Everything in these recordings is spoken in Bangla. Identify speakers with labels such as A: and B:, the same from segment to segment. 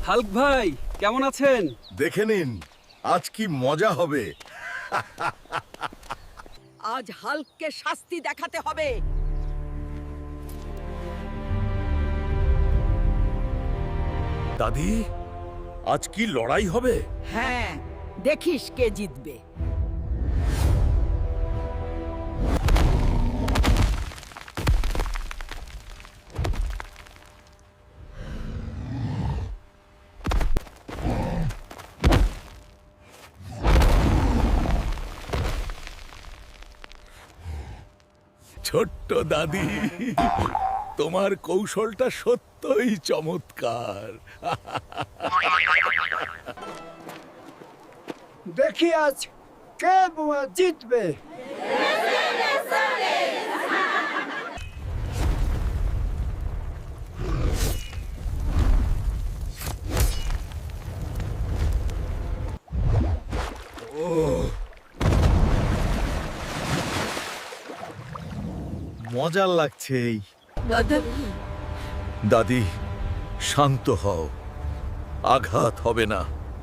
A: হাল্ক ভাই কেমন আছেন?
B: দেখে নিন আজ কি মজা হবে।
C: আজ হাল্ককে শাস্তি দেখাতে হবে।
B: দাদি আজ কি লড়াই হবে?
C: হ্যাঁ, দেখিস কে জিতবে।
B: ছোট্ট দাদি, তোমার কৌশলটা সত্যই চমৎকার।
D: দেখি আজ কে জিতবে।
B: মজার লাগছে এই। দাদি শান্ত হও, আঘাত হবে না।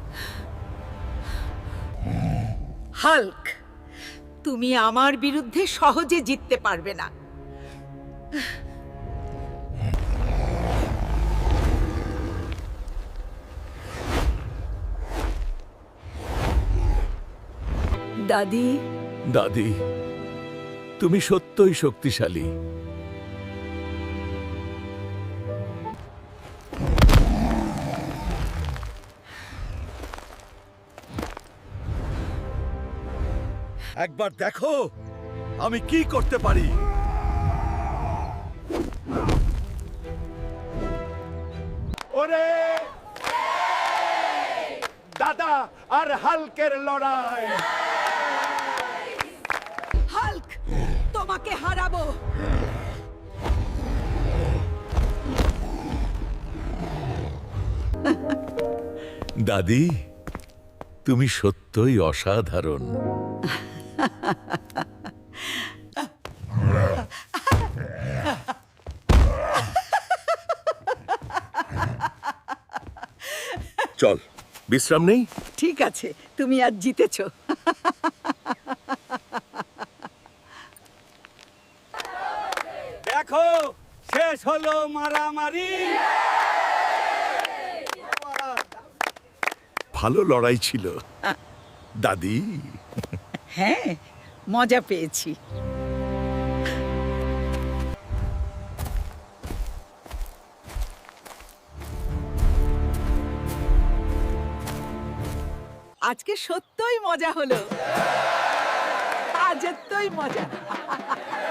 C: হাল্ক, তুমি আমার বিরুদ্ধে সহজে জিততে পারবে না। দাদি,
B: দাদি তুমি সত্যই শক্তিশালী। একবার দেখো আমি কি করতে পারি।
E: ওরে দাদা আর হাল্কের লড়াই।
C: হাল্ক, তোমাকে হারাবো।
B: দাদি তুমি সত্যই অসাধারণ। চল বিশ্রাম নেই।
C: ঠিক আছে, তুমি আজ জিতেছো।
A: দেখো শেষ হলো মারামারি।
B: ভালো লড়াই ছিল দাদি।
C: হ্যাঁ, মজা পেয়েছি। আজকে সত্যই মজা হলো। আজ এতই মজা।